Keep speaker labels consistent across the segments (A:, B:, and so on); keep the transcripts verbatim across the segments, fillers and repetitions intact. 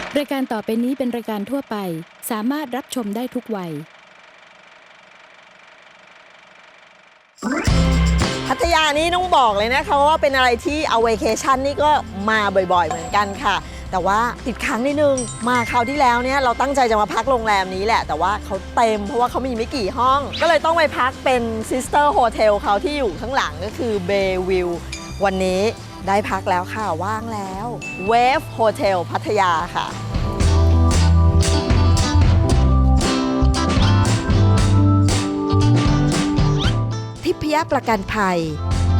A: รายการต่อไปนี้เป็นรายการทั่วไปสามารถรับชมได้ทุกวัย
B: พัทยานี่ต้องบอกเลยนะคะว่าเป็นอะไรที่เอาเวเคชั่นนี่ก็มาบ่อยๆเหมือนกันค่ะแต่ว่าติดค้างนิดนึงมาคราวที่แล้วเนี่ยเราตั้งใจจะมาพักโรงแรมนี้แหละแต่ว่าเขาเต็มเพราะว่าเขามีไม่กี่ห้องก็เลยต้องไปพักเป็นซิสเตอร์โฮเทลเขาที่อยู่ข้างหลังก็คือเบวิววันนี้ได้พักแล้วค่ะว่างแล้วเวฟโฮเทลพัทยาค่ะทิพยประกันภัย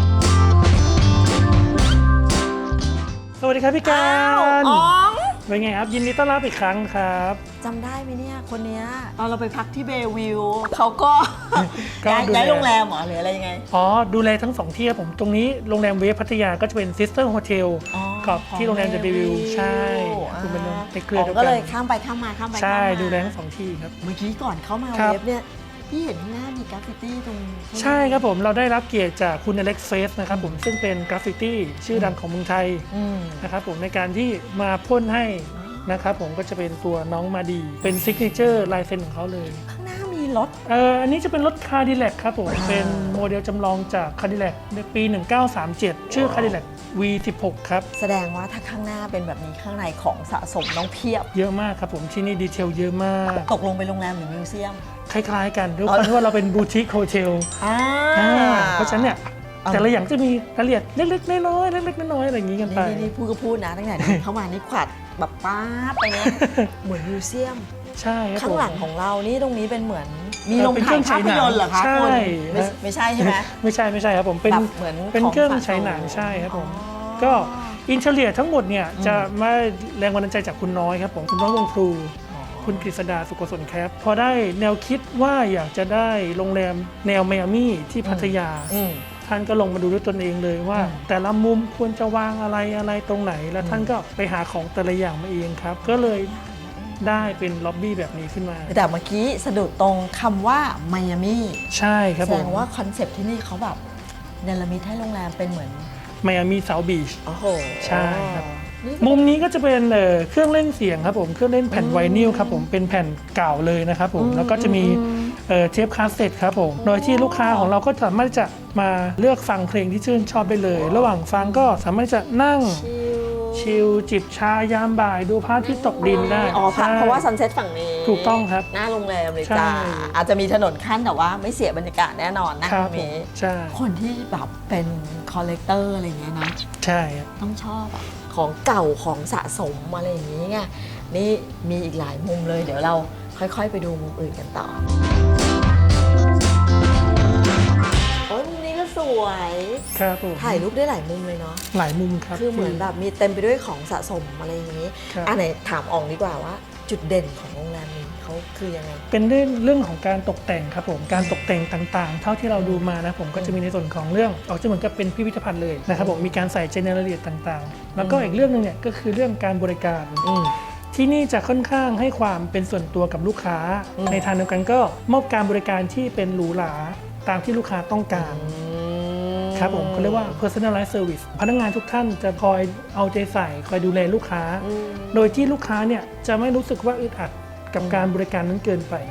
C: สวัสดีครับพี่การ
B: อ๋อง
C: เป็นไงครับยินดีต้อนรับอีกครั้งครับ
B: จำได้ไหมเนี่ยคนเนี้ยตอนเราไปพักที่เบวิวเขาก็
C: ก็
B: ย้าย
C: ดูแล
B: ย้ายโรงแรมเหรอหรืออะไรยังไง
C: อ๋อดูแลทั้งสองที่ครับผมตรงนี้โรงแรมเวฟพัทยาก็จะเป็นซิสเตอร์โฮเทล
B: อ๋อ
C: กับที่โรงแรมเดอะเบวิวใช่คุณเป็นในเครือเดียว
B: ก็
C: กั
B: เล
C: น
B: ยข้ามไปข้ามมาข้ามไปข้าม
C: ใช่
B: มา
C: ดูแลทั้งสองที่ครับ
B: เมื่อกี้ก่อนเข้ามา
C: ครับ
B: เวฟเนี่ยพี่เห็นข้างหน้ามีกราฟฟิตี้ตรง
C: ใช่ครับผมเราได้รับเกียรติจากคุณอเล็กซ์เฟสนะครับผมซึ่งเป็นกราฟฟิตี้ชื่อดังของเมืองไทย
B: อืม
C: นะครับผมในการที่มาพ่นให้นะครับผมก็จะเป็นตัวน้องมาดีเป็นซิกเนเจอร์ลายเซ็นของเขาเลย
B: ข้างหน้ามีรถ
C: เอ่ออันนี้จะเป็นรถคาร์ดิแลกครับผมเป็นโมเดลจำลองจากคาร์ดิแลกในปี หนึ่งเก้าสามเจ็ด ชื่อคาร์ดิแลก วี สิบหก ครับ
B: แสดงว่าถ้าข้างหน้าเป็นแบบนี้ข้างในของสะสมต้องเพียบ
C: เยอะมากครับผมที่นี่ดีเทลเยอะมาก
B: ตกลงไปโรงแรมหรือมิวเซียม
C: คล้ายๆกันด้วยความที่ว่าเราเป็นบูติกโฮเทล
B: อ่า
C: เพราะฉะนั้นเนี่ยแต่ละอย่างจะมีรายละเอียดเล็กๆน้อยๆเล็กๆน้อยๆอะไรอย่างนี้กันไป
B: นี่นี่พูดก็พูดนะตั้งแต่เดินเข้ามานี่ขวัดแบบป้าบไปเนี่ยเหมือนมิวเซียม
C: ใช่ครับ
B: ข้างหลัง
C: ผม
B: ของเรานี่ตรงนี้เป็นเหมือนมี
C: เออ
B: โรง
C: เป็น
B: ถ่าย
C: เครื่อง
B: ภาพยนตร์เหรอคะ
C: ใช่
B: คุณไม่ไม่ใช่ใช่ไหม
C: ไม่ใช่ไม่ใช่ครับผมเป็น
B: แบบเหมือน
C: เป็น
B: ของ
C: เครื่อง
B: สะสม
C: ใช้หนังใช่ครับผม
B: อ๋อ
C: ก็อินเทอร์เนียทั้งหมดเนี่ยจะมาแรงบันดาลใจจากคุณน้อยครับผมคุณน้อยวงพลูคุณกฤษดาสุโกศลแคปพอได้แนวคิดว่าอยากจะได้โรงแรมแนวไมอามี่ที่พัทยา
B: อืม
C: ท่านก็ลงมาดูด้วยตนเองเลยว่า
B: อืม
C: แต่ละมุมควรจะวางอะไรอะไรตรงไหน แล้วท่านก็ไปหาของแต่ละอย่างมาเองครับ ก็เลยได้เป็นล็อบบี้แบบนี้ขึ้นมา
B: แต่เมื่อกี้สะดุดตรงคำว่าไมอามี่
C: ใช่ครับ
B: แส
C: ผ
B: ด
C: ม
B: งว่าคอนเซปต์ที่นี่เขาแบบเนรมิตให้โรงแรมเป็นเหมือน
C: ไมอามี่เซาท์บีช
B: โอ้โห
C: ใช่ครับ
B: นี่
C: มุมนี้ก็จะเป็นเอ่อเครื่องเล่นเสียงครับผมเครื่องเล่นแผ่นไวนิลครับผมเป็นแผ่นเก่าเลยนะครับผมแล้วก็จะมีเอ่อเทปคาสเซ็ตครับผมโดยที่ลูกค้าของเราก็สามารถจะมาเลือกฟังเพลงที่ชื่นชอบได้เลย ระหว่างฟังก็สามารถจะนั่ง
B: ชิล
C: ชิลจิบชายามบ่ายดูพระอาทิตย์ตกดินได้
B: อ๋อ
C: ใช่
B: เพราะว่าซันเซ็ตฝั่งนี้
C: ถูกต้องครับ
B: หน้าโรงแรมเลย
C: ใช่
B: จ้าอาจจะมีถนนขั้นแต่ว่าไม่เสียบรรยากาศแน่นอนนะครับ ตรง
C: ผม
B: นี้
C: ใช่
B: คนที่แบบเป็นคอลเลกเตอร์อะไรอย่างเงี้ยนะ
C: ใช่ครับ
B: ต้องชอบอะของเก่าของสะสมอะไรอย่างนี้ไงนี่มีอีกหลายมุมเลย เดี๋ยวเราค่อยๆไปดูมุมอื่นกันต่อโอ้ยมุมนี้ก็สวย
C: ครับผม
B: ถ่ายรูปได้หลายมุมเลยเนาะ
C: หลายมุมครับ
B: คือเหมือนแบบมีเต็มไปด้วยของสะสมอะไรอย่างนี้
C: ครับ
B: อันไหนถามอองดีกว่าว่า จุดเด่นของโรงแรมนี้เขาคือยังไง
C: เป็นเรื่องเรื่องของการตกแต่งครับผมการตกแต่งต่างๆ เท่าที่เราดูมานะผมก็จะมีในส่วนของเรื่องออกจะเหมือนกับเป็นพิพิธภัณฑ์เลยนะครับผมมีการใส่ใจในรายละเอียดต่างๆ แล้วก็อีกเรื่องหนึงเนี่ยก็คือเรื่องการบริการ
B: อืม
C: ที่นี่จะค่อนข้างให้ความเป็นส่วนตัวกับลูกค้า
B: อืม
C: ในทางเดียวกันก็มอบการบริการที่เป็นหรูหราตามที่ลูกค้าต้องการครับผมเขาเรียกว่า personalized service พนักงานทุกท่านจะคอยเอาใจใส่คอยดูแลลูกค้า
B: อืม
C: โดยที่ลูกค้าเนี่ยจะไม่รู้สึกว่าอึดอัดกับการบริการนั้นเกินไป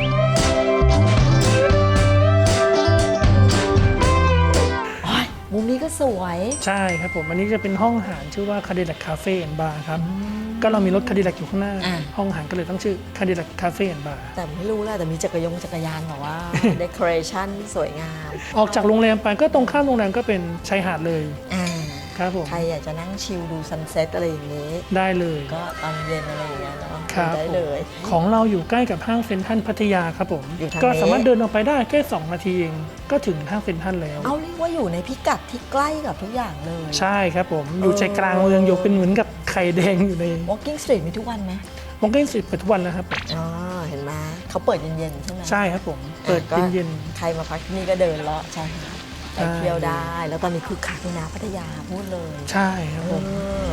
B: โอ้ยมุมนี้ก็สวย
C: ใช่ครับผมอันนี้จะเป็นห้องอาหารชื่อว่า Cadillac Cafe and Bar ครับก็เรามีรถ Cadillac อยู่ข้างหน้า
B: อ่า
C: ห้องอาหารก็เลยต้องชื่อ Cadillac Cafe and Bar
B: แต่ไม่รู้แหละแต่มีจักรยงจักรยานแบบว่า decoration สวยงาม
C: ออกจากโรงแรมไปก็ตรงข้ามโรงแรมก็เป็นชายหาดเลย
B: อ่า
C: ครับผม
B: ใครอยากจะนั่งชิลดูซันเซ็ตอะไรอย่างนี้
C: ได้เลย
B: ก็ตอนเย็นอะไรอย่างเงี้ยเนาะ
C: ครับ
B: ได้
C: ผม
B: เลย
C: ของเราอยู่ใกล้กับห้างเซ็นทรัลพัทยาครับผม
B: อยู่ทาง
C: ก็
B: นี้
C: สามารถเดินออกไปได้แค่สองนาทีเองก็ถึงห้างเซ็นทรัลแล้ว
B: เอาเรียกว่าอยู่ในพิกัดที่ใกล้กับทุกอย่างเลย
C: ใช่ครับผมอยู่ใจกลางเมืองอยู่เป็นเหมือนกับไข่แดงอยู่ใน
B: Walking Street มีทุกวันไหม
C: มองเก้นสิบเปิดทุกวันแล้วครับผม
B: อ๋อเห็นไหมเขาเปิดเย็นๆใช่ไหม
C: ใช่ครับผมเปิด
B: ก็
C: เย็น
B: ใครมาพักที่นี่ก็เดินเลาะใช่ค่ะไป
C: ใช่
B: เที่ยวได้ แล้วตอนนี้คือคักเลยนะพัทยาพูดเลย
C: ๆใช่ครับผม
B: เออ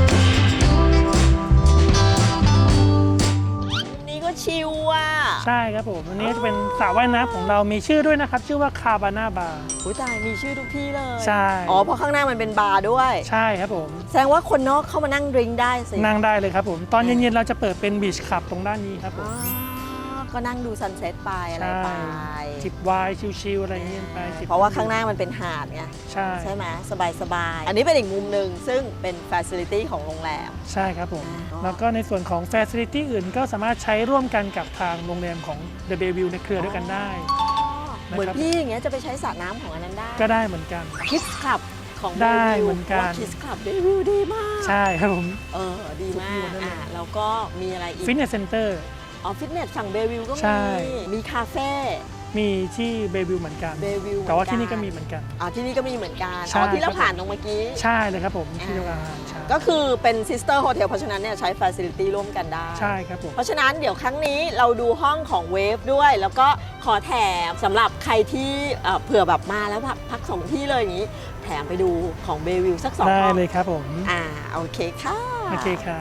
B: นี่ก็ชิลว่ะ
C: ใช่คครับผมอันนี้จะเป็นสระว่ายน้ำของเรามีชื่อด้วยนะครับชื่อว่าคาบาน่าบาร์
B: อุ้ยตายมีชื่อทุกที่เลย
C: ใช่
B: อ๋อเพราะข้างหน้ามันเป็นบาร์ด้วย
C: ใช่ครับผม
B: แสดงว่าคนนอกเข้ามานั่งดริงก์ได้สิ
C: นั่งได้เลยครับผมตอนเย็นๆเราจะเปิดเป็นบีชคลับตรงด้านนี้ครับผ
B: อ๋
C: ม
B: อก็นั่งดูซันเซ็ตไปอะไร
C: ใช่
B: ไป
C: จิบไวน์ชิลๆอะไรอย่างเงี้ยไปจิบ
B: เพราะว่าข้างหน้ามันเป็นหาดไง
C: ใช่
B: ใช่ไหมสบายสบายๆอันนี้เป็นอีกมุมหนึ่งซึ่งเป็นฟ a ซิลิตี้ของโรงแรม
C: ใช่ครับผม
B: อ๋อ
C: แล้วก็ในส่วนของ Facility อื่นก็สามารถใช้ร่วมกันกับทางโรงแรมของ The Bayview ในเครือด้วยกันได้
B: เหมือนพี่อย่างเงี้ยจะไปใช้สระน้ำของอันนั้นได้
C: ก็ได้เหมือนกัน
B: คิดคลับของ
C: ได้เหมือนกัน
B: คิดคลับได้วิวดีมาก
C: ใช่ครับผม
B: เออดีมาก
C: สุดยอดเลย
B: อ่ะแล้วก็มีอะไรอีก
C: Fitness Center
B: อ๋อฟิตเนสฝั่งเบวิวก็
C: ใช่
B: มีมีคาเฟ่
C: มีที่ Bayview เหมือนกัน
B: เบวิว
C: แต่ว่าที่นี่ก็มีเหมือนกัน
B: อ๋อที่นี่ก็มีเหมือนกัน
C: ใช่
B: อ๋อที่เรา
C: ครับ
B: ผ่านตรงเมื่อกี้
C: ใช่เลยครับผมที่โรงแรมใช่
B: ก็คือเป็นซิสเตอร์โฮเทลเพราะฉะนั้นเนี่ยใช้ Facility ร่วมกันได้
C: ใช่ครับผม
B: เพราะฉะนั้นเดี๋ยวครั้งนี้เราดูห้องของเวฟด้วย แล้วก็ขอแถมสำหรับใครที่เอ่อเผื่อแบบมาแล้วพักพักสองที่เลยอย่างนี้ แถมไปดูของเบวิวสักสอง
C: ได้
B: ห้อง
C: เลยครับผม
B: อ่าโอเคค่ะ
C: โอเคครับ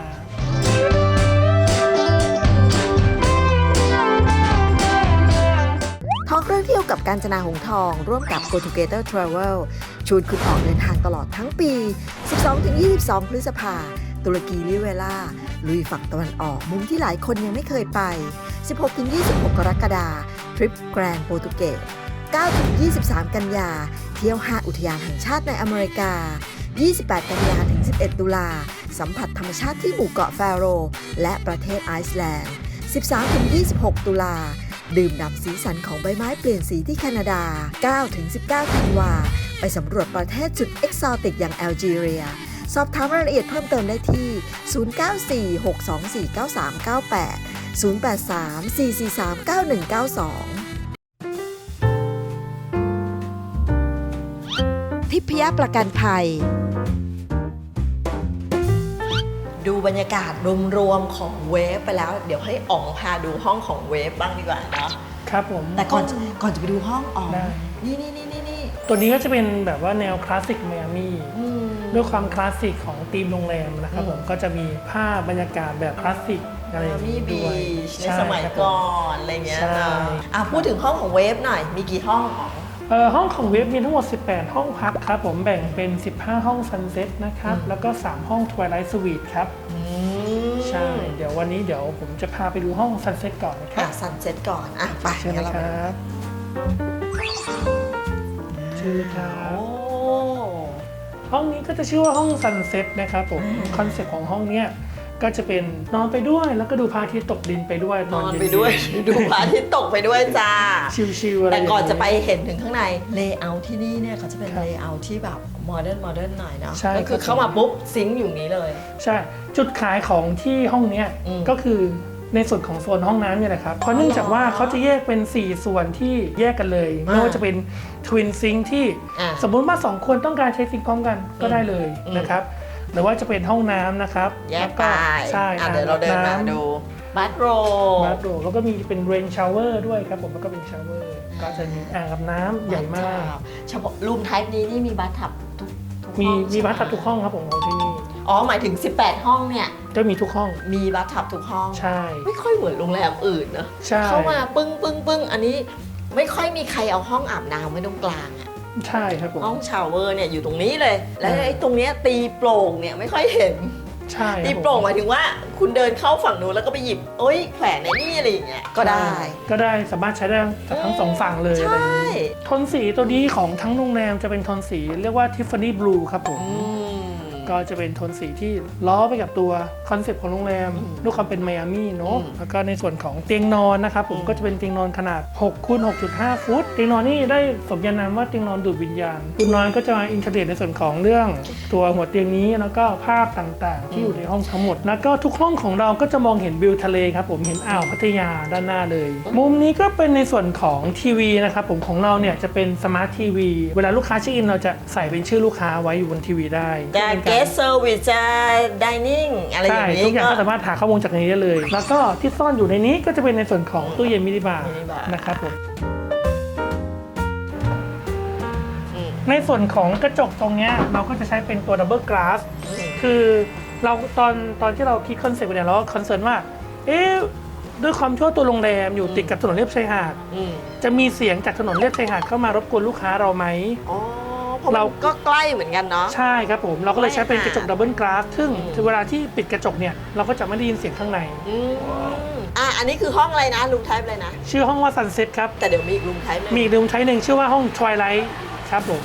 B: ท่องเรื่องเที่ยวกับการจนาหงทอง ร่วมกับ Go Together Travel ชวนคุณออกเดินทางตลอดทั้งปี สิบสองถึงยี่สิบสอง พฤษภาตุรกีลิเวลาลุยฝั่งตะวันออกมุมที่หลายคนยังไม่เคยไป สิบหกถึงยี่สิบหก กรกฎาคมทริปแกรนด์โปรตุเกส เก้าถึงยี่สิบสาม กันยา เที่ยวห้าอุทยานแห่งชาติในอเมริกา ยี่สิบแปด กันยาถึง สิบเอ็ด ตุลาสัมผัสธรรมชาติที่หมู่เกาะแฟโรและประเทศไอซ์แลนด์ สิบสามถึงยี่สิบหก ตุลาดื่มด่ำสีสันของใบไม้เปลี่ยนสีที่แคนาดา เก้าถึงสิบเก้า ธันวาไปสำรวจประเทศสุดเอกซอติกอย่างแอลจีเรีย สอบถามรายละเอียดเพิ่มเติมได้ที่ ศูนย์ เก้า สี่ หก สอง สี่ เก้า สาม เก้า แปด ศูนย์ แปด สาม สี่ สี่ สาม เก้า หนึ่ง เก้า สอง ทิพยประกันภัย ดูบรรยากาศรวมๆของเวฟไปแล้ว เดี๋ยวให้อ๋องพาดูห้องของเวฟบ้างดีกว่าเนาะ
C: ครับผม
B: แต่ก่อนจะก่อนจะไปดูห้องอ๋อง
C: ได้
B: นี่นี่นี่นี่นี่
C: ตัวนี้ก็จะเป็นแบบว่าแนวคลาสสิกไมอามี่
B: อืม
C: ด้วยความคลาสสิกของธีมโรงแรมนะครับ
B: อืม
C: ผมก็จะมีภาพบรรยากาศแบบคลาสสิกอะไรอย่าง
B: มี
C: นี้
B: บี
C: ด้วย
B: ชใน
C: ใช่
B: สมัย
C: ครับผ
B: ก่อนอะไรเงี้ย
C: ใช่
B: เนาะอ่ะพูดถึงห้องของเวฟหน่อย มีกี่ห้องอ๋อง
C: เอ่อห้องของเว็บมีทั้งหมด สิบแปด ห้องพักครับผมแบ่งเป็น สิบห้า ห้องซันเซ็ตนะครับ
B: อืม
C: แล้วก็ สาม ห้องทวายไลท์สวีทครับ
B: อืม
C: ใช่ เดี๋ยววันนี้เดี๋ยวผมจะพาไปดูห้องซันเซ็ตก่อนนะครั
B: อ่ะ
C: บ
B: ซันเซ็ตก่อน อ่ะ ไป
C: เชิญ
B: งั้
C: นะ
B: นเรา
C: ค
B: ไป
C: รับเชิญครั
B: โอ้
C: บ ห้องนี้ก็จะชื่อว่าห้องซันเซ็ตนะครับผม
B: อืม
C: คอนเซ็ปต์ของห้องเนี้ยก็จะเป็นนอนไปด้วยแล้วก็ดูพระอาทิตย์ตกดินไปด้วย
B: นอน
C: เย็ๆ
B: ไปด้วย ดูพระอาทิตย์ตกไปด้วยจ้า
C: ชิลๆอะไร
B: แต่ก่อน
C: ย่าง
B: จะไปเห็นถึงข้างในเลเยอร์ที่นี่เนี่ยเขาจะเป็น
C: ครับ
B: เลเยอร์ที่แบบโมเดิร์นโมเดิร์นหน่อยเนาะ
C: ใช่
B: ก็คือ
C: ครับ
B: เข้ามาปุ๊บซิงค์อยู่นี้เลย
C: ใช่ จุดขายของที่ห้องเนี้ย
B: อืม
C: ก็คือในส่วนของโซนห้องน้ำเนี่ยแหละครับ เพราะเนื่องจากว่าเขาจะแยกเป็น สี่ ส่วนที่แยกกันเลย
B: อ่า
C: ไม่ว่าจะเป็นทวินซิงที่
B: อ่า
C: สมมุติว่าสองคนต้องการใช้ซิงค์พร้อมกันก็ได้เลย
B: อืม
C: นะครับ หรือว่าจะเป็นห้องน้ำนะครับ
B: แยก
C: ล้ว
B: ไป
C: ใช่
B: อ่ะเดี๋ยวเราเดินมาดูบัตโร
C: บาร์โดแล้วก็มีเป็นเรนชาวเวอร์ด้วยครับผมแล้วก็เป็นชาวเวอร์ก็จะมีอ่างอาบน้ำใหญ่มาก
B: เฉพาะรูมไทป์นี้นี่มีบัตทับทุกทุก
C: มี
B: ห้อง
C: มี
B: ใช่ไห
C: บัตทับทุกห้องครับผมของที่นี่
B: อ๋อหมายถึงสิบแปดห้องเนี่ย
C: จะมีทุกห้อง
B: มีบัตทับทุกห้อง
C: ใช่
B: ไม่ค่อยเหมือนโรงแรมอื่นนะ
C: ใช่
B: เข้ามาปึ้งปึ้งปึ้งอันนี้ไม่ค่อยมีใครเอาห้องอาบน้ำไว้ตรงกลางอะ
C: ใช่ครับผม
B: ห้องชาวเวอร์เนี่ยอยู่ตรงนี้เลย แล้ว
C: อ่า
B: ไอ้ตรงเนี้ยตีโปร่งเนี่ยไม่ค่อยเห็น
C: ใช่ครับ
B: ตี
C: ผม
B: โปร่งหมายถึงว่าคุณเดินเข้าฝั่งนู้นแล้วก็ไปหยิบเอ้ยแขวนในนี่อะไรอย่างเงี้ยก็ได้
C: ก็ได้สามารถใช้ได้จากทั้งสองฝั่งเลย
B: ใช่
C: อะไรอย่างนี้โทนสีตัวนี้ของทั้งโรงแรมจะเป็นโทนสีเรียกว่า Tiffany Blue ครับผม
B: อืม
C: ก็จะเป็นโทนสีที่ล้อไปกับตัวคอนเซปต์ของโรงแรม
B: อืม
C: ด้วยความเป็นไมอามี่เนาะ
B: อืม
C: แล้วก็ในส่วนของเตียงนอนนะครับผม
B: อืม
C: ก็จะเป็นเตียงนอนขนาดหกคูณหกจุดห้า ฟุต เตียงนอนนี่ได้สมญานามว่าเตียงนอนดูดวิญญาณคุณน้อยก็จะมาอินเทอร์เน็ตในส่วนของเรื่องตัวหัวเตียงนี้แล้วก็ภาพต่างๆ ที่อยู่ในห้องทั้งหมด แล้วก็ทุกห้องของเราก็จะมองเห็นวิวทะเลครับผมเห็นอ่าวพัทยาด้านหน้าเลย มุมนี้ก็เป็นในส่วนของทีวีนะครับผมของเราเนี่ยจะเป็นสมาร์ททีวีเวลาลูกค้าเช็คอินเราจะใส่เป็นชื่อลูกค้าไว้อยู่บนทีวีได้
B: จะ
C: เป็น
B: เก
C: การ
B: สเซอร์วิสจะดิเนิ่งอะไรอ
C: ใช่
B: ย่างนี้
C: ทุกอย่าง
B: ก็
C: ก็สามารถหาข้อมูลจากในนี้ได้เลย แล้วก็ที่ซ่อนอยู่ในนี้ก็จะเป็นในส่วนของตู้เย็นมินิบาร์
B: มินิบาร์
C: นะครับผม
B: อืม
C: ในส่วนของกระจกตรงเนี้ยเราก็จะใช้เป็นตัวดับเบิลก a าส คือเราตอนตอนที่เราคิดคอนเซ็ปต์เนี่ยเราก็คอนเซิร์นว่า เอ๊ะด้วยความที่ว่าตัวโรงแรมอยู่ติดกับถนนเลียบชายหาด
B: อืม
C: จะมีเสียงจากถนนเลียบชายหาดเข้ามารบกวนลูกค้าเราไหม
B: อ๋อเพราะ
C: เรา
B: มันก็ใกล้เหมือนกันเนาะ
C: ใช่ครับผมเราก็เลยใช้เป็นกระจกดับเบิลกลาสซึ่ง
B: อืม
C: เวลาที่ปิดกระจกเนี่ยเราก็จะไม่ได้ยินเสียงข้างใน
B: อืมอ่ะอันนี้คือห้องอะไรนะรูมไทป์อะไรนะ
C: ชื่อห้องว่า Sunset ครับ
B: แต่เดี๋ยวมีอีกรูมไทป์
C: มีอีกรูมไทป์หนึ่งชื่อว่าห้อง Twilight ครับผม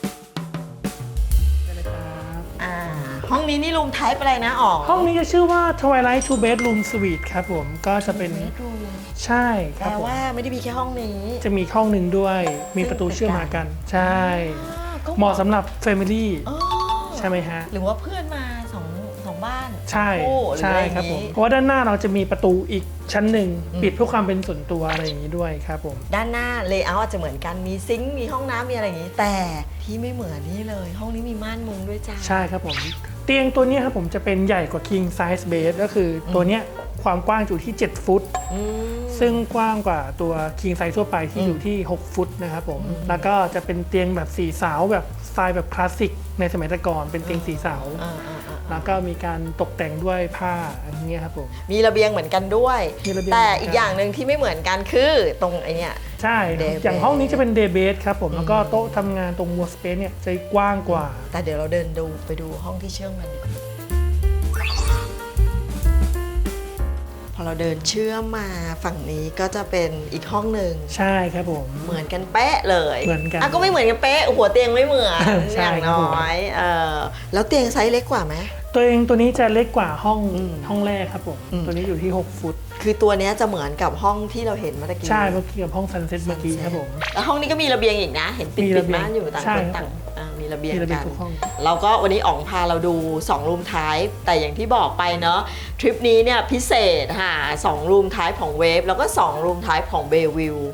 B: อ่าห้องนี้นี่รูมไทป์อะไรนะอ๋อ
C: ห้องนี้จะชื่อว่า Twilight Two Bedroom Suite ครับผมก็จะเป็นใช่ค
B: แป
C: รับ
B: ล
C: ผม
B: ว่าไม่ได้มีแค่ห้องนี้
C: จะมีห้องหนึ่งด้วย มีประตูเชื่อมมากัน ใช่
B: ก็
C: เหมาะสำหรับ Family
B: อ๋อ
C: ใช่ไหมฮะ
B: หรือว่าเพื่อนมาสองสองบ้าน
C: ใช่
B: คู่หรือ
C: ใช่
B: อะไรอย่าง
C: ครับผม
B: นี้
C: เพราะว่าด้านหน้าเราจะมีประตูอีกชั้นหนึ่ง
B: อืม
C: ปิดเพื่อความเป็นส่วนตัวอะไรอย่างนี้ด้วยครับผม
B: ด้านหน้าเลเยอร์อาจจะเหมือนกันมีซิงค์มีห้องน้ำมีอะไรอย่างนี้ แต่ที่ไม่เหมือนนี่เลย ห้องนี้มีม่านมุงด้วยจ้า
C: ใช่ครับผม เตียงตัวเนี้ยครับผมจะเป็นใหญ่กว่า King Size Bed ก็คือตัวเนี้ยความกว้างอยู่ที่ เจ็ด ฟุต
B: อืม
C: ซึ่งกว้างกว่าตัว King Size ทั่วไปที่อยู่ที่ หก ฟุตนะครับผม แล้วก็จะเป็นเตียงแบบสีสาวแบบสไตล์แบบคลาสสิกในสมัยแต่ก่อนเป็นเตียงสีสาว
B: อ่าอ่าอ่า
C: แล้วก็มีการตกแต่งด้วยผ้าอย่างเงี้ยครับผม
B: มีระเบียงเหมือนกันด้วย
C: มีระเบียง
B: แต่
C: เหมือนกัน
B: อีกอย่างหนึ่งที่ไม่เหมือนกันคือตรงไอเนี้ย
C: ใช่
B: Day
C: อย่าง
B: bed
C: ห้องนี้จะเป็น Day Bed ครับผมแล้วก็โต๊ะทำงานตรง Workspace เนี่ยจะกว้างกว่า
B: แต่เดี๋ยวเราเดินดูไปดูห้องที่เชื่อมกันดีกว่าพอเราเดินเชื่อมมาฝั่งนี้ก็จะเป็นอีกห้องหนึ่ง
C: ใช่ครับผม
B: เหมือนกันเป๊ะเลย
C: เหมือนกัน
B: อ่ะก็ไม่เหมือนกันเป๊ะหัวเตียงไม่เหมือน
C: ใช่
B: อย่าง
C: ครับ
B: น้
C: ผม
B: อยเออแล้วเตียงไซส์เล็กกว่าไหม
C: ตัวเองตัวนี้จะเล็กกว่าห้อง
B: อืม
C: ห้องแรกครับผม
B: อืม
C: ตัวนี้อยู่ที่ หก ฟุต
B: คือตัวเนี้ยจะเหมือนกับห้องที่เราเห็นเมื่อกี้
C: ใช่เมื่อกี้กับห้องซันเซ็ตเมื่อกี้ครับผม
B: แล้วห้องนี้ก็มีระเบียงอีกนะ เห็นปิด
C: มี
B: ปิ
C: ระ
B: ด
C: เบียง
B: ม่านอยู่ต่าง
C: ใช่
B: คน
C: ครับ
B: ต่างอ่ามีระเบียง
C: มีระเบีย
B: กั
C: ง
B: น
C: ทุกห้อง
B: เราก็วันนี้อ๋องพาเราดูสองรูมไทป์แต่อย่างที่บอกไปเนาะทริปนี้เนี่ยพิเศษค่ะสองรูมไทป์ของเวฟแล้วก็สองรูมไทป์ของเบวิว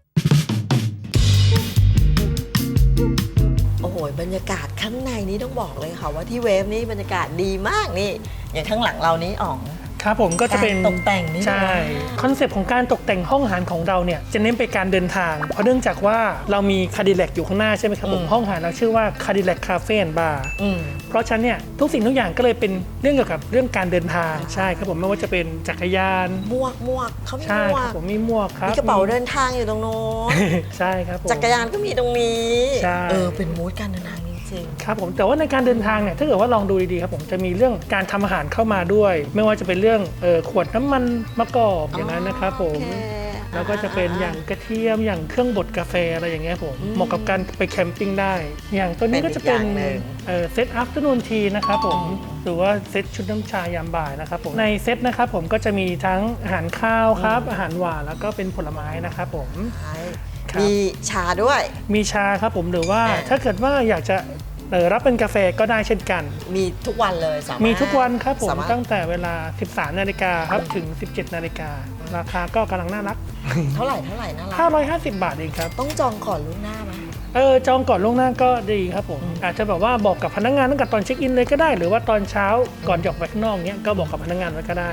B: โอ้โหบรรยากาศข้างในนี้ต้องบอกเลยค่ะว่าที่เวฟนี่บรรยากาศดีมากนี่ อย่างข้างหลังเรานี้อ๋อง
C: ครับผมก็จะเป็น
B: การตกแต่งนี่
C: ใช่
B: นะ
C: คอนเซปต์ของการตกแต่งห้องอาหารของเราเนี่ยจะเน้นไปการเดินทาง เพราะเนื่องจากว่าเรามีคาดิแลกอยู่ข้างหน้าใช่ไหมครับผม
B: อืม
C: ห้องอาหารเราชื่อว่าคาดิแลกคาเฟ่บาร์
B: อืม
C: เพราะฉะนั้นเนี่ยทุกสิ่งทุกอย่างก็เลยเป็นเรื่องเกี่ยวกับเรื่องการเดินทางใช่ครับผมไม่ว่าจะเป็นจักรยาน
B: หมวกหมวกเขามี
C: ใช่
B: หมว
C: ครับ
B: ก
C: ผมมีหมวกครับ
B: มีกระเป๋าเดินทางอยู่ตรงโน้น
C: ใช่ครับผม
B: จักรยานก็มีตรงนี้
C: ใช่
B: เออ เป็นมูดการเดินทางจริง
C: ครับผมแต่ว่าในการเดินทางเนี่ยถ้าเกิดว่าลองดูดีๆครับผมจะมีเรื่องการทำอาหารเข้ามาด้วย ไม่ว่าจะเป็นเรื่องเออขวดน้ำมันมะกอก
B: ๆ
C: อย่างนั้นนะครับผม
B: โอเค
C: แล้วก็จะเป็นอย่างกระเทียมอย่างเครื่องบดกาแฟอะไรอย่างเงี้ยผม
B: อืม
C: เหมาะกับการไปแคมปิ้งได้ อย่างตัวนี้ก็จะเป็น
B: เป็นอีกอย่างหนึ่ง
C: เอ่อเซตอัฟเตอร์นูนทีนะครับผม
B: อืม
C: หรือว่าเซตชุดน้ำชายามบ่ายนะครับผมในเซตนะครับผมก็จะมีทั้งอาหารข้าวครับอาหารหวานแล้วก็เป็นผลไม้นะครับผม
B: ใช่
C: ครับ
B: มีชาด้วย
C: มีชาครับผมหรือว่า
B: อ่า
C: ถ้าเกิดว่าอยากจะเอ่อรับเป็นกาแฟก็ได้เช่นกัน
B: มีทุกวันเลยสามารถ
C: มีทุกวันครับผม
B: สาารถ
C: ตั้งแต่เวลา สิบสามนาฬิกาครับถึง สิบเจ็ดนาฬิกา ราคาก็กำลังน่ารัก
B: เท่าไหร่เท่าไหร่น่ารัก
C: ห้าร้อยห้าสิบ บาทเองครับ
B: ต้องจองก่อนล่วงหน้าไหม
C: เออจองก่อนล่วงหน้าก็ดีครับผม อาจจะแบบว่าบอกกับพนักงานตั้งแต่ตอนเช็คอินเลยก็ได้ หรือว่าตอนเช้าก่อนจะออกไปข้างนอกเนี้ยก็บอกกับพนักงานไว้ก็ได้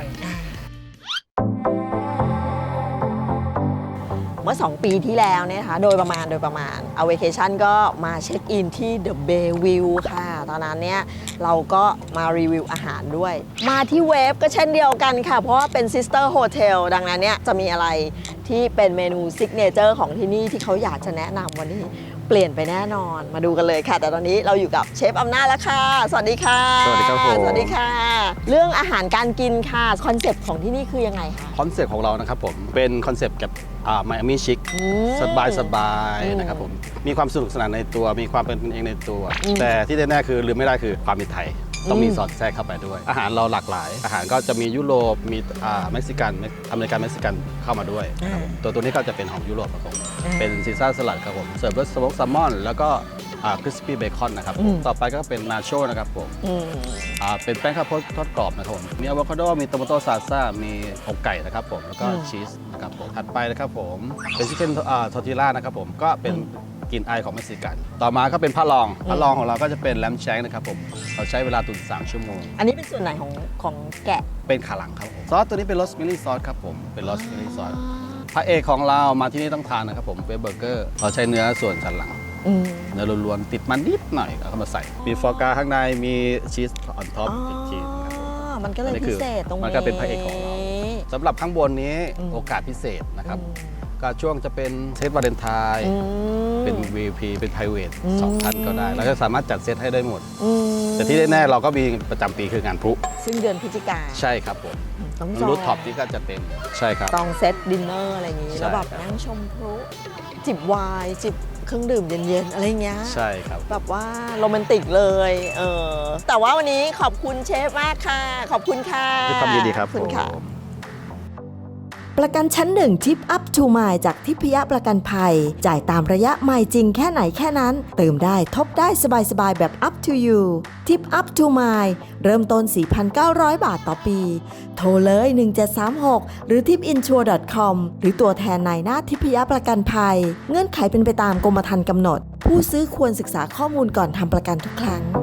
B: เมื่อ สอง ปีที่แล้วเนี่ยนะคะโดยประมาณโดยประมาณเอา vacation ก็มาเช็คอินที่ The Bayview ค่ะ ตอนนั้นเนี่ยเราก็มารีวิวอาหารด้วย มาที่เวฟก็เช่นเดียวกันค่ะ เพราะว่าเป็น Sister Hotel ดังนั้นเนี่ยจะมีอะไรที่เป็นเมนูซิกเนเจอร์ของที่นี่ที่เขาอยากจะแนะนำวันนี้เปลี่ยนไปแน่นอนมาดูกันเลยค่ะ แต่ตอนนี้เราอยู่กับเชฟอำนาจแล้วค่ะ สวัสดีค่ะ
D: สวัสดีครับผม
B: สวัสดีค่ะ เรื่องอาหารการกินค่ะคอนเซปต์ของที่นี่คือยังไงคะ
D: คอนเซ็ปต์ของเรานะครับผมเป็นคอนเซ็ปต์กับไมอามี่ชิค
B: อืม
D: สบายสบาย
B: อืม
D: นะครับผมมีความสนุกสนานในตัวมีความเป็นเองในตัว
B: อืม
D: แต่ที่แน่ๆคือลืมไม่ได้คือความเป็นไทย ต้องมี
B: อืม
D: สอดแทรกเข้าไปด้วย อาหารเราหลากหลาย อาหารก็จะมียุโรปมีอ่าเม็กซิกันอเมริกันเม็กซิกันเข้ามาด้วยนะครับผมตัวตัวนี้ก็จะเป็นของยุโรปครับผม
B: อ่า
D: เป็นซีซ่าสลัดครับผมเสิร์ฟด้วยสโมกแซลมอนแล้วก็คริสปี้เบคอนนะครับ
B: อืม
D: ต่อไปก็เป็นนาโชนะครับผม
B: อืม
D: อ่าเป็นแป้งข้าวโพดทอดกรอบนะครับผม มีอะโวคาโด มีโตมาโต้ซาซ่า มีอกไก่นะครับผม แล้วก็
B: อืม
D: ชีสนะครับผม ถัดไปนะครับผม เป็นชิคเก้นทอร์ติล่านะครับผม ก็เป็นกลิ่นอายของเม็กซิกัน ต่อมาก็เป็นผ้าลองผ้าลองของเราก็จะเป็นแลมแชงนะครับผม เราใช้เวลาตุ๋นสามชั่วโมง
B: อันนี้เป็นส่วนไหนของของแกะ
D: เป็นขาหลังครับผม ซอสตัวนี้เป็นรสมิลลี่ซอสครับผม เป็นรสมิลลี่ซอส พระเอกของเรามาที่นี่ต้องทานนะครับผมเป็นเบอร์เกอร์ เราใช้เนื้อส่วนสันหลัง
B: อืม
D: เนื้อล้วนๆติดมันนิดหน่อยเอาเข้ามาใส่ มีฟอร์กาข้างใน มีชีสออนท็อปอีกทีนะครับผม
B: มันก็เลย
D: อันนี้คื
B: พิ
D: อ
B: เศษตรงนี้
D: มันก็เป็นพระเอกของเราสำหรับข้างบนนี้
B: อืม
D: โอกาสพิเศษนะครับ
B: อืม
D: ก็ช่วงจะเป็นเซตวาเลนไทน์
B: อืม
D: เป็น วี ไอ พี เป็น private
B: อืม
D: สองท่านก็ได้เราจะสามารถจัดเซตให้ได้หมด
B: อืม
D: แต่ที่แน่ๆเราก็มีประจำปีคืองานพลุ
B: ซึ่งเดือนพฤศจิกา
D: ใช่ครับผม
B: ต้องจอง
D: รูทท็อปที่ก็จะเต็มใช่ครับ
B: จองเซตดินเนอร์อะไรอย่างนี้
D: ใช่
B: แล้วแบบ
D: ครับ
B: นั่งชมพลุจิบไวน์จิบเครื่องดื่มเย็นๆอะไรอย่างเงี้ย
D: ใช่ครับ
B: แบบว่าโรแมนติกเลยเออแต่ว่าวันนี้ขอบคุณเชฟมากค่ะ ขอบคุณค่ะ
D: ด้วยความยินดีครับ
B: ขอคุณค่ะ
D: ผม
B: ประกันชั้นหนึ่งทิปอัพทูมายจากทิพยประกันภัย จ่ายตามระยะไมล์จริงแค่ไหนแค่นั้น เติมได้ทบได้สบายๆแบบ up to you ทิปอัพทูมายเริ่มต้น สี่พันเก้าร้อย บาทต่อปี โทรเลย หนึ่งเจ็ดสามหก หรือ ทิปอินชัวร์ ดอท คอม หรือตัวแทนนายหน้าทิพยประกันภัย เงื่อนไขเป็นไปตามกรมธรรม์กำหนด ผู้ซื้อควรศึกษาข้อมูลก่อนทำประกันทุกครั้ง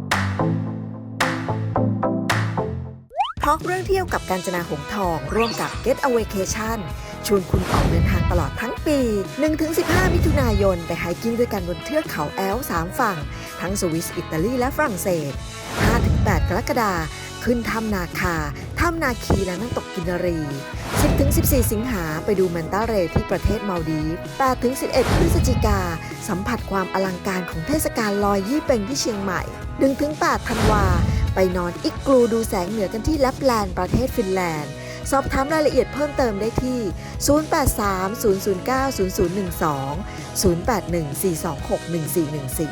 B: ทอล์กเรื่องเที่ยวกับกาญจนาหงส์ทอง ร่วมกับ Get a Vacation ชวนคุณออกเดินทางตลอดทั้งปี หนึ่งถึงสิบห้า มิถุนายน ไปไฮกิ้งด้วยกันบนเทือกเขาแอลป์สามฝั่ง ทั้งสวิส อิตาลี และฝรั่งเศส ห้าถึงแปด กรกฎาคม ขึ้นถ้ำนาคา ถ้ำนาคีและน้ำตกกินรี สิบถึงสิบสี่ สิงหาไปดูแมนตาเรย์ที่ประเทศมาลดีฟ แปดถึงสิบเอ็ด พฤศจิกา สัมผัสความอลังการของเทศกาลลอยยี่เป่งที่เชียงใหม่ หนึ่งถึงแปด ธันวา ไปนอนอิกกลูดูแสงเหนือกันที่แลปแลนด์ประเทศฟินแลนด์ สอบถามรายละเอียดเพิ่มเติมได้ที่ ศูนย์ แปด สาม ศูนย์ ศูนย์ เก้า ศูนย์ ศูนย์ หนึ่ง สอง ศูนย์ แปด หนึ่ง สี่ สอง หก หนึ่ง สี่ หนึ่ง สี่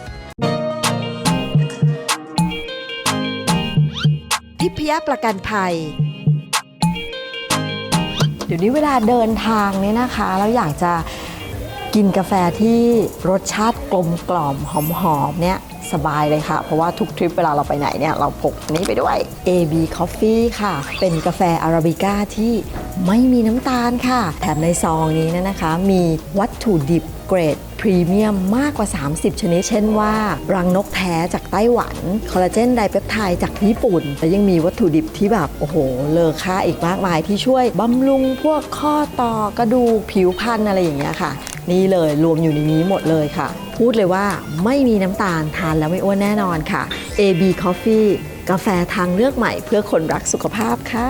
B: ทิพยประกันภัย เดี๋ยวนี้เวลาเดินทางเนี่ยนะคะแล้วอยากจะกินกาแฟที่รสชาติกลมกล่อมหอมๆเนี่ยสบายเลยค่ะ เพราะว่าทุกทริปเวลาเราไปไหนเนี่ยเราพกอันนี้ไปด้วย เอ บี Coffee ค่ะ เป็นกาแฟอาราบิก้าที่ไม่มีน้ำตาลค่ะ แถมในซองนี้เนยนะคะ มีวัตถุดิบเกรดพรีเมียมมากกว่า สามสิบ ชนิด เช่นว่ารังนกแท้จากไต้หวัน คอลลาเจนไดเปปไทด์จากญี่ปุ่น และยังมีวัตถุดิบที่แบบ โอ้โห เลอค่าอีกมากมายที่ช่วยบำรุงพวกข้อต่อกระดูกผิวพรรณอะไรอย่างเงี้ยค่ะ นี่เลยรวมอยู่ในนี้หมดเลยค่ะ พูดเลยว่าไม่มีน้ำตาลทานแล้วไม่อ้วนแน่นอนค่ะ เอ บี Coffee กาแฟทางเลือกใหม่เพื่อคนรักสุขภาพค่ะ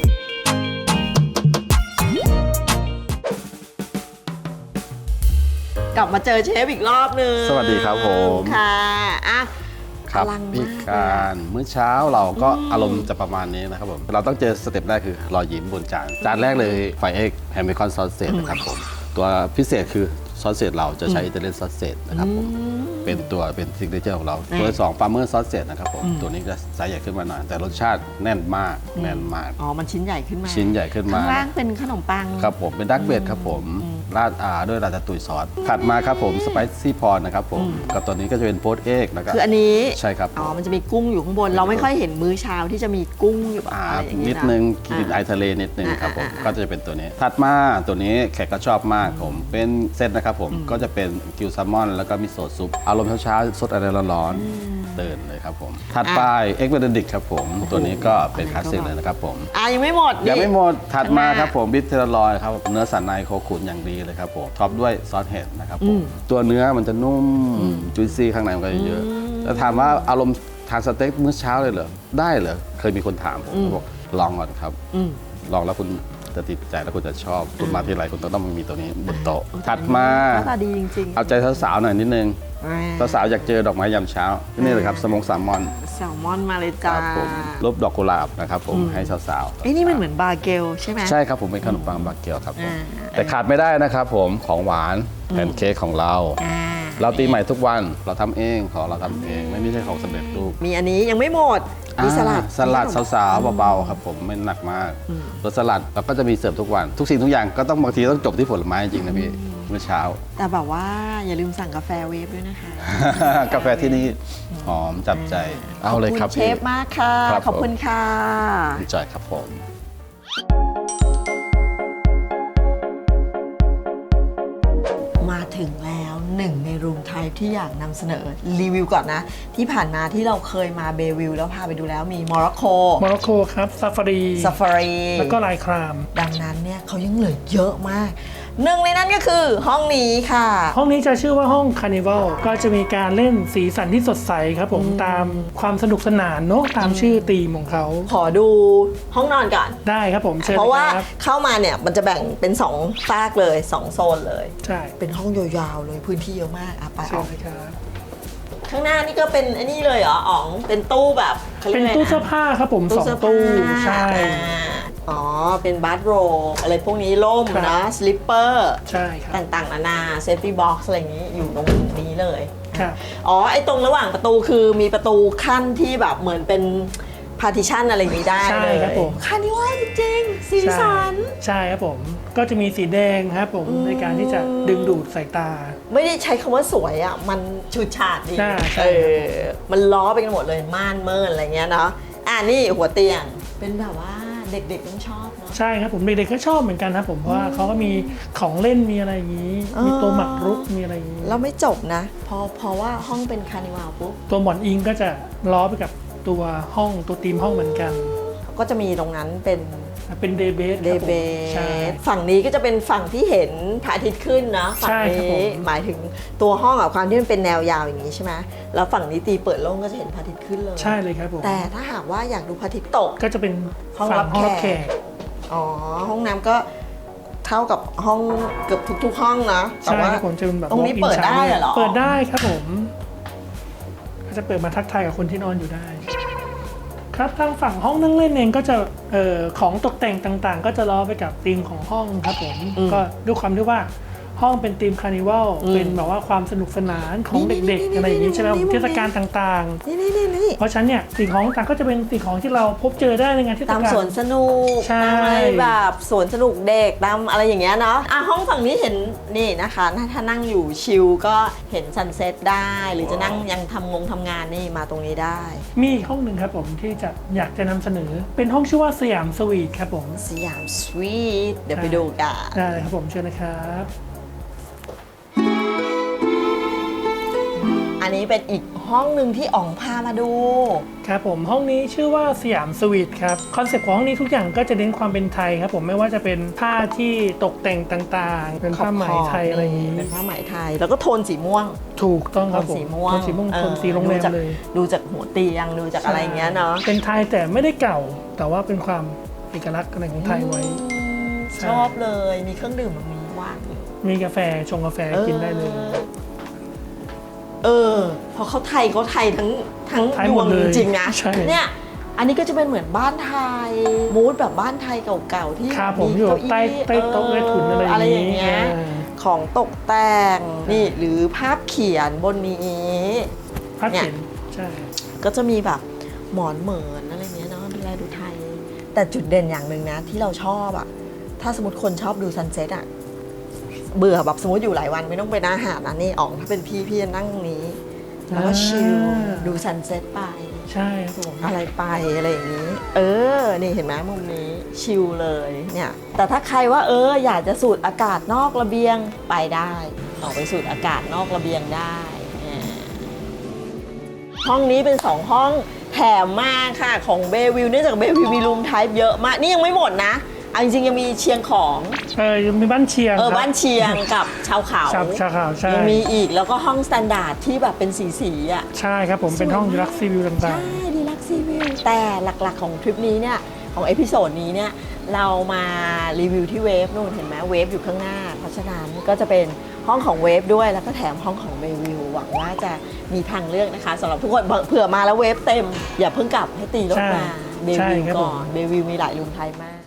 B: กลับมาเจอเชฟอีกรอบนึง
D: สวัสดีครับผม
B: ค่ะอ่ะ
D: ครับ
B: พลังมาก
D: พี่การมื้อเช้าเราก็อารมณ์จะประมาณนี้นะครับผมเราต้องเจอสเต็ปแรกคือรอยยิ้มบนจานจานแรกเลยไฟเอ็กแฮมเบคอนซอสเซจนะครับผมตัวพิเศษคือซอสเซจเราจะใช้อิตาเลียนซอสเซจนะครับผมเป็นตัวเป็นซิกเนเจอร์ของเราตัวที่สองฟาร์เมอร์ซอสเซจนะครับผมตัวนี้จะไซส์ใหญ่ขึ้นมาหน่อยแต่รสชาติแน่นมากแน่นมาก
B: อ๋อ มันชิ้นใหญ่ขึ้นมา
D: ชิ้นใหญ่ขึ้นมา
B: ข้างล่างเป็นขนมปัง
D: ครับผมเป็นดักเบดครับผมราดอาด้วยราตาตุยซอสถัดมาครับผมสไปซี่พอร์นะครับผมกับตัวนี้ก็จะเป็นโพสเอ็กนะครับ
B: คืออันนี้
D: ใช่ครับ
B: อ๋อ มันจะมีกุ้งอยู่ข้างบน เราไม่ค่อยเห็นมื้อเช้าที่จะมีกุ้งอยู่แบบ
D: อ่า
B: อะไรอย่าง
D: นิ
B: นี้
D: ด
B: นะ
D: นึงกลิ่นไอ
B: อ่า
D: ทะเลนิดนึงครับผม
B: อ่าอ่า
D: ก็จะเป็นตัวนี้ ถัดมาตัวนี้แขกก็ชอบมากผมเป็นเซตนะครับผมก็จะเป็นกิวแซลมอนแล้วก็มิโซะซุปอารมณ์เช้าๆสดอะไรร้อนๆเดินเลยครับผมถัดไปเอ็กเบนดิกครับผมตัวนี้ก็เป็นคลาสสิกเลยนะครับผม
B: อ่ะยังไม่หมด
D: ยังไม่หมดถัดมา
B: ข้างหน้า
D: ครับผมบิทเทอร์ลอยครับเนื้อสันในโคขุนอย่างดีเลยครับผมท็อปด้วยซอสเห็ดนะครับผมตัวเนื้อมันจะนุ่มจุยซี่ข้างในมันก็เยอะแล้วถามว่าอารมณ์ทานสเต็กมื้อเช้าเลยเหรอได้เหรอเคยมีคนถามผมเขาบอกลองก่อนครับ
B: อืม
D: ลองแล้วคุณจะติดใจแล้วคุณจะชอบคุณมาที่ไรคุณต้องมีตัวนี้บนโต๊ะถัดมา
B: หน้าตาดีจริงๆ
D: เอาใจสาวๆหน่อยนิดนึง
B: อ่า
D: สาวๆอยากเจอดอกไม้ยามเช้านี่เลยครับสมงแซลมอน
B: แซลมอนมาเลย
D: ค
B: จ้า
D: รับผมรูปดอกกุหลาบนะครับผมให้สาวๆ
B: ไอ้ยนี่มันเหมือนบาเกลใช่ไหม
D: ใช่ครับผมเป็นขนมปังบาเกียวครับผม
B: อ่า
D: แต่ขาดไม่ได้นะครับผมของหวานแพนเค้กของเรา
B: อ่า
D: เราตีใหม่ทุกวันเราทำเองของเราทำเองไม่ไม่ใช่ของสำเร็จรูป
B: มีอันนี้ยังไม่หมด มีสลัด
D: อ่าสลัดสาวๆเบาๆครับผมไม่หนักมากรสสลัดเราก็จะมีเสิร์ฟทุกวัน ทุกสิ่งทุกอย่างก็ต้องบางทีต้องจบที่ผลไม้จริงๆนะพี่เมื่อเช้า
B: แต่แบบว่าอย่าลืมสั่งกาแฟเวฟด้วยนะคะ
D: กาแฟที่นี่หอมจับใจเอาเลยครับ
B: ขอบคุณเชฟมากค่ะ
D: ครับ
B: ขอบคุณค่ะ
D: ผมจอยครับผม
B: มาถึงแล้วหนึ่งในรูมไทป์ที่อยากนำเสนอรีวิวก่อนนะ ที่ผ่านมาที่เราเคยมาเบวิลแล้วพาไปดูแล้วมีโมร็อกโก
C: โมร็อกโกครับซาฟารี
B: ซาฟารี
C: แล้วก็ลายคราม
B: ดังนั้นเนี่ยเขายังเหลือเยอะมากหนึ่งในนั้นก็คือห้องนี้ค่ะ
C: ห้องนี้จะชื่อว่าห้องคาร์นิวัลก็จะมีการเล่นสีสันที่สดใสครับผมตามความสนุกสนานเนอะตามชื่อธีมของเขา
B: ขอดูห้องนอนก่อน
C: ได้ครับผมเชิญ
B: เพราะว่า
C: ครับ
B: เข้ามาเนี่ยมันจะแบ่งเป็นสองฝากเลยสองโซนเลย
C: ใช่
B: เป็นห้องยาวๆเลยพื้นที่เยอะมากอ่ะไป
C: เชิ
B: อ
C: ญ
B: อก
C: เลยครับ
B: ข้างหน้านี่ก็เป็นไอ้นี่เลยเหรออ๋องเป็นตู้แบบขารี
C: เป็
B: ย
C: น
B: กอะไระ
C: ตู้เสื้อผ้าครับผมสอง
B: เสื้
C: ตู้
B: ผ้า
C: ใช่
B: อ่าอ๋อเป็นบาร์โรอะไรพวกนี้ล่ม
C: ครับ
B: นะสลิปเปอร์
C: ใช่ครับ
B: ต่างๆนานาเซฟตี้บ็อกซ์อะไรอย่างนี้อยู่ตรงนี้เลย
C: ครับ
B: อ๋อไอ้ตรงระหว่างประตูคือมีประตูขั้นที่แบบเหมือนเป็นพาร์ติชันอะไรอย่างนี้ได้
C: ใช่
B: เลย
C: ครับผม
B: คานิว่าจริงๆสีสัน
C: ใช่ครับผมก็จะมีสีแดงครับผมในการที่จะดึงดูดสายตา
B: ไม่ได้ใช้คำว่าสวยอ่ะ มันชุดฉาดดี
C: ใช่ใช่
B: เออมันล้อไปกันหมดเลยม่านเมินอะไรเงี้ยเนาะอ่านี่หัวเตียงเป็นแบบว่าเด็กๆต้องชอบเนาะ
C: ใช่ครับผมเด็กๆก็ชอบเหมือนกันครับผมเพราะว่าเขาก็มีของเล่นมีอะไรอย่างนี้
B: เออ
C: มีตัวหมากรุกมีอะไรอย่างนี้
B: แล้วไม่จบนะพอเพราะว่าห้องเป็นคานิวัลปุ๊บ
C: ตัวหมอนอิงก็จะล้อไปกับตัวห้องตัวธีมห้องเหมือนกัน
B: ก็จะมีตรงนั้นเป็น
C: เป็นเดย์เบส
B: เดเบ
C: ใช่
B: ฝั่งนี้ก็จะเป็นฝั่งที่เห็นพระอาทิตย์ขึ้นนะฝั่ง
C: ใช่ครับผ
B: นี้
C: ม
B: หมายถึงตัวห้องอะความที่มันเป็นแนวยาวอย่างนี้ใช่ไหมแล้วฝั่งนี้ตีเปิดโล่งก็จะเห็นพระอาทิตย์ขึ้นเลย
C: ใช่เลยครับผม
B: แต่ถ้าหากว่าอยากดูพระอาทิตย์ตก
C: ก็จะเป็น
B: ห้อง
C: ฝั่
B: รับ
C: ห้องรับ
B: แข
C: แข
B: ก
C: ก
B: อ๋อห้องน้ำก็เท่ากับห้องเกือบทุกๆห้องนะแต่
C: ใช่
B: ว่า
C: ครับผมจะเป็นแบบ
B: ตรงนี้
C: walk-in
B: เปิดได้
C: shower
B: เหรอ
C: เปิดได้ครับผมก็จะเปิดมาทักทายกับคนที่นอนอยู่ได้ ครับทางฝั่งห้องนั่งเล่นเองก็จะเอ่อของตกแต่งต่างๆ ก็จะล้อไปกับธีมของห้องครับผมก็ด้วยความที่ว่าห้องเป็นธีมคาร์นิวัลเป็นแบบว่าความสนุกสนานของเด็กๆอะไรอย่างนี้ใช่ไหมผมเทศกาลต่างๆ
B: นี่นี่นี่นี่
C: เพราะฉะนั้นเนี่ยสิ่งของต่างก็จะเป็นสิ่งของที่เราพบเจอได้ในงานเทศกา
B: ตา
C: ล
B: มสวนสนุก
C: ใช่
B: ตามอะไรแบบสวนสนุกเด็กตามอะไรอย่างเงี้ยเนาะอ่ะห้องฝั่งนี้เห็นนี่นะคะถ้าถ้านั่งอยู่ชิลก็เห็นซันเซ็ตได้ หรือจะนั่งยังทำงงทำงานนี่มาตรงนี้ได้
C: มีอีกห้องหนึ่งครับผมที่จะอยากจะนำเสนอ เป็นห้องชื่อว่าสยามสวีทครับผม
B: สยามสวีทเดี๋ยวไปดูกัน
C: ได้เลยครับผมเชิญนะครับ
B: อันนี้เป็นอีกห้องหนึ่งที่อ๋องพามาดู
C: ครับผมห้องนี้ชื่อว่าสยามสวีทครับคอนเซ็ปต์ของห้องนี้ทุกอย่างก็จะเน้นความเป็นไทยครับผมไม่ว่าจะเป็นผ้าที่ตกแต่งต่างๆ เป็นผ้าไหมไทยอะไรอย่างนี้
B: เป็นผ้าไหมไทย แล้วก็โทนสีม่วง
C: ถูกต้อง
B: โท
C: ครับ
B: น
C: ผม
B: สีม่วง
C: โทนสีม่วง
B: เออ
C: โทนสีโรงแรม
B: ดูจาก
C: เลย
B: ดูจากหัวเตียงดูจากอะไรอย่างเงี้ยเนาะ
C: เป็นไทยแต่ไม่ได้เก่า แต่ว่าเป็นความเอกลักษณ์อะไรของไทยไว้ ใช่
B: ชอบเลยมีเครื่องดื่มแบบนี้ว่างอยู่
C: มีกาแฟชงกาแฟกินได้เลย
B: เออเพราะเขาไทยเขาไทยทั้งทั้ง
C: ไทย
B: ด
C: หม
B: ว
C: ด
B: ง
C: เลย
B: จริงๆนะ
C: ใช่
B: เนี่ยอันนี้ก็จะเป็นเหมือนบ้านไทยมูดแบบบ้านไทยเก่าๆที่
C: ครับผมอยู่
B: เก้าอี้
C: ใต้ใต้โต๊ะใต้ถุนอะไรอย่างนี้
B: อะไรอย่างเงี้ย
C: อ่า
B: ของตกแต่งนี่หรือภาพเขียนบนนี้
C: พัดเข็นใช่
B: ก็จะมีแบบหมอนเหมือนอะไรเงี้ยเนาะดูแลดูไทย แต่จุดเด่นอย่างหนึ่งนะที่เราชอบอะถ้าสมมติคนชอบดูซันเซ็ตอะเบื่อแบบสมมติอยู่หลายวันไม่ต้องไปอาหารนะนี่อ๋องถ้าเป็นพี่พี่จะนั่งตรงนี้ แล้วก็ชิลดูซันเซ็ตไป
C: ใช่ครับผม
B: อะไรไปอะไรอย่างนี้ เออ นี่เห็นไหมมุมนี้ชิลเลยเนี่ยแต่ถ้าใครว่าเอออยากจะสูดอากาศนอกระเบียงไปได้ ออกไปสูดอากาศนอกระเบียงได้อ่าห้องนี้เป็นสองห้องแถมมากค่ะของเบวิวเนื่องจากเบวิวมีรูมไทป์เยอะมาก นี่ยังไม่หมดนะเอาจริงๆยังมีเชียงของ
C: เออยังมีบ้านเชียง
B: เออ
C: ครับ
B: บ้านเชียงกับชาวเขา
C: ชาวชาวเขาใช่
B: ยังมีอีกแล้วก็ห้องสแตนดาร์ดที่แบบเป็นสีสีๆอ่ะ
C: ใช่ครับผมเป็นห้อง
B: สวยมาก
C: รักซีวิวต่า
B: ใช่
C: ง
B: ดีลักซีวิวแต่หลักๆของทริปนี้เนี่ย ของเอพิโซดนี้เนี่ย เรามารีวิวที่เวฟนู่นเห็นไหมเวฟอยู่ข้างหน้า เพราะฉะนั้นก็จะเป็นห้องของเวฟด้วยแล้วก็แถมห้องของเบวิวหวังว่าจะมีทางเลือกนะคะสำหรับทุกคนเผื่อมาแล้วเวฟเต็ม อย่าเพิ่งกลับให้ตีรถมาเบ
C: ใช่
B: วิว
C: ครับ
B: ก่
C: ผ
B: อ
C: ม
B: นเบวิวมีหลายรูมไทยมาก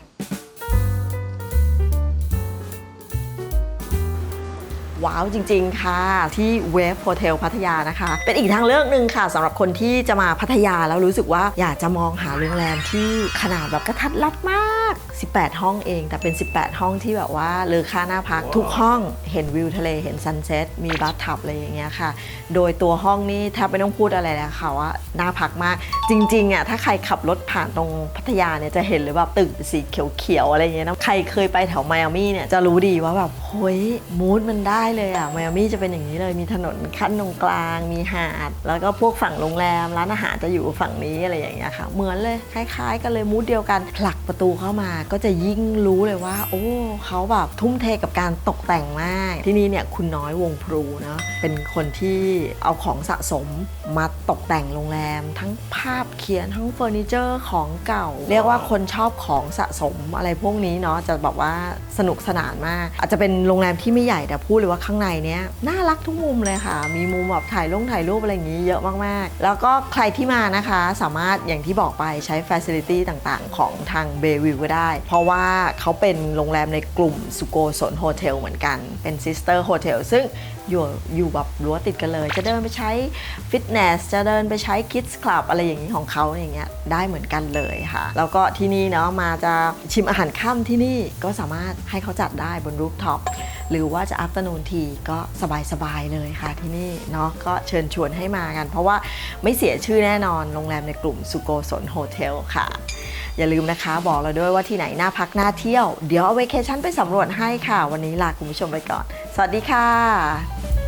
B: ว้าวจริง ๆ ค่ะ ที่เวฟโฮเทลพัทยานะคะ เป็นอีกทางเลือกหนึ่งค่ะสำหรับคนที่จะมาพัทยาแล้วรู้สึกว่าอยากจะมองหาโรงแรมที่ขนาดแบบกระทัดรัดมาก สิบแปด ห้องเองแต่เป็น สิบแปด ห้องที่แบบว่าเลอค่าหน้าพักทุกห้องเห็นวิวทะเลเห็นซันเซ็ตมีบาร์ทับอะไรอย่างเงี้ยค่ะ โดยตัวห้องนี่แทบไม่ต้องพูดอะไรเลยค่ะว่าน่าพักมากจริงๆอ่ะถ้าใครขับรถผ่านตรงพัทยาเนี่ยจะเห็นเลยแบบตึกสีเขียวๆอะไรอย่างเงี้ยนะใครเคยไปแถวไมอามี่เนี่ยจะรู้ดีว่าแบบเฮ้ยมูดมันได้เลยอ่ะไมอามี่จะเป็นอย่างนี้เลยมีถนนขั้นตรงกลางมีหาดแล้วก็พวกฝั่งโรงแรมร้านอาหารจะอยู่ฝั่งนี้อะไรอย่างเงี้ยค่ะเหมือนเลยคล้ายๆกันเลยมูดเดียวกันผลักประตูเข้ามาก็จะยิ่งรู้เลยว่าโอ้เขาแบบทุ่มเทกับการตกแต่งมากที่นี่เนี่ยคุณน้อยวงพลูเนาะเป็นคนที่เอาของสะสมมาตกแต่งโรงแรมทั้งภาพเขียนทั้งเฟอร์นิเจอร์ของเก่าเรียกว่าคนชอบของสะสมอะไรพวกนี้เนาะจะแบบว่าสนุกสนานมากอาจจะเป็นโรงแรมที่ไม่ใหญ่แต่พูดเลยว่าข้างในเนี้ยน่ารักทุกมุมเลยค่ะมีมุมแบบถ่ายลงถ่ายรูปอะไรอย่างนี้เยอะมากๆแล้วก็ใครที่มานะคะสามารถอย่างที่บอกไปใช้ facility ต่างๆของทางเบวิวก็ได้เพราะว่าเขาเป็นโรงแรมในกลุ่มสุโกสนโฮเทลเหมือนกันเป็น sister hotel ซึ่งอยู่อยู่แบบรั้วติดกันเลยจะเดินไปใช้ฟิตเนสจะเดินไปใช้ Kids Club อะไรอย่างนี้ของเขาอย่างเงี้ยได้เหมือนกันเลยค่ะแล้วก็ที่นี่เนาะมาจะชิมอาหารค่ำที่นี่ก็สามารถให้เขาจัดได้บนรูฟท็อปหรือว่าจะ afternoon tea ก็สบายๆเลยค่ะที่นี่เนาะก็เชิญชวนให้มากันเพราะว่าไม่เสียชื่อแน่นอนโรงแรมในกลุ่มสุโกสนโฮเทลค่ะอย่าลืมนะคะบอกเราด้วยว่าที่ไหนน่าพักน่าเที่ยวเดี๋ยวเอาเวเคชั่นไปสำรวจให้ค่ะวันนี้ลาคุณผู้ชมไปก่อนสวัสดีค่ะ